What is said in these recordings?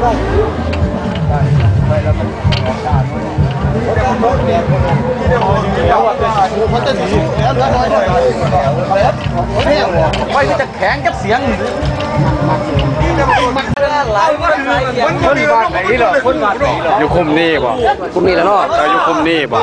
ไว้จะแข็งกับเสียงอยู่คุมนี่บ่คุมนี่แล้วเนาะอยู่คุมนี่บ่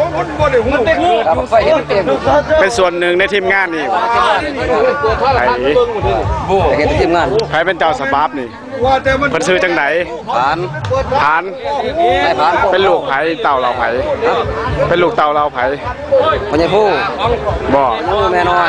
เป็นส่วนหนึ่งในทีมงานนี่ใครเป็นทีมงานใครเป็นเจ้าสบับนี่เป็นชื่อจังไหนผ่านเป็นลูกไผ่เต่าเราไผ่เป็นลูกเต่าเราไผ่พญาผู้บ่แม่น้อย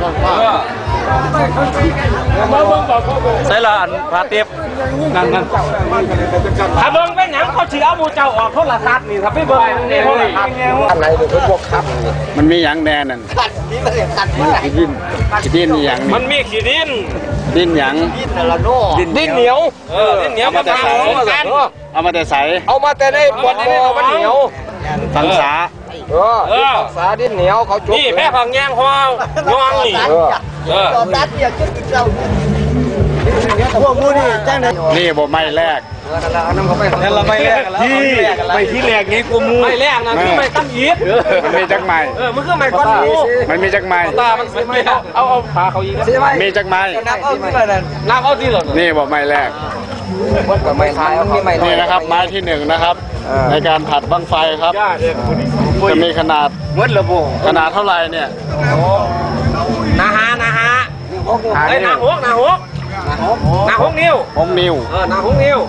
ใช่ละอันพาเตียบนั่นถ้าเบิ่งเป็นหยังเขาเสียเอาบูเจ้าออกโทรศัพท์นี่ถ้าไม่เบิ่งนี่โทรศัพท์อะไรเป็นพวกครับมันมีหยังแน่นั่นขี้ดินหยังมันมีขี้ดินหยังดินเหนียวดินเหนียวมาแต่ใสเอามาแต่ใสเอามาแต่ได้บนคอมันเหนียวสังสาสาดินเหนียวเขาจุกนี่แม่ผักแยงห้องงองนี่ตัดเดียวจุดเจ้าพวกมูนี่จ้างนี่บ่ไม่แรกนั่นเราไม่แรกไม่ที่แรกนี้กูมูไม่แรกนะคือไม่ตั้มยีบมันมีจักไม้มันคือไม่ก้อนมูมันมีจักไม้ตามันไม่เอาพาเขายิงมีจักไม้นับเอาที่ไหนนับเอาที่หรอนี่บ่ไม่แรกนี่นะครับไม้ที่หนึ่งนะครับในการผัดบั้งไฟครับจะมีขนาดขนาดเท่าไรเนี่ยนาฮะนาหกนิ้วนาหกนิ้ว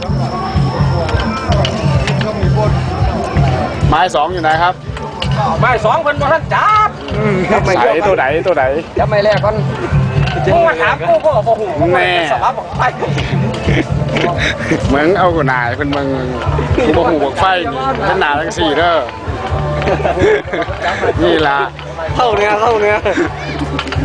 ไม้สองอยู่ไหนครับไม้สองเพิ่นบ่ทันจับใส่ตัวไหนจะไม่แรกก่อนมึงมาถามกูก็บอกหูแม่สลับบอกไฟมึงเอากูนายเป็นมึงกูบอกหูบอกไฟเป็นหนาทั้งสี่เด้อนี่ละเท่าเนี้ย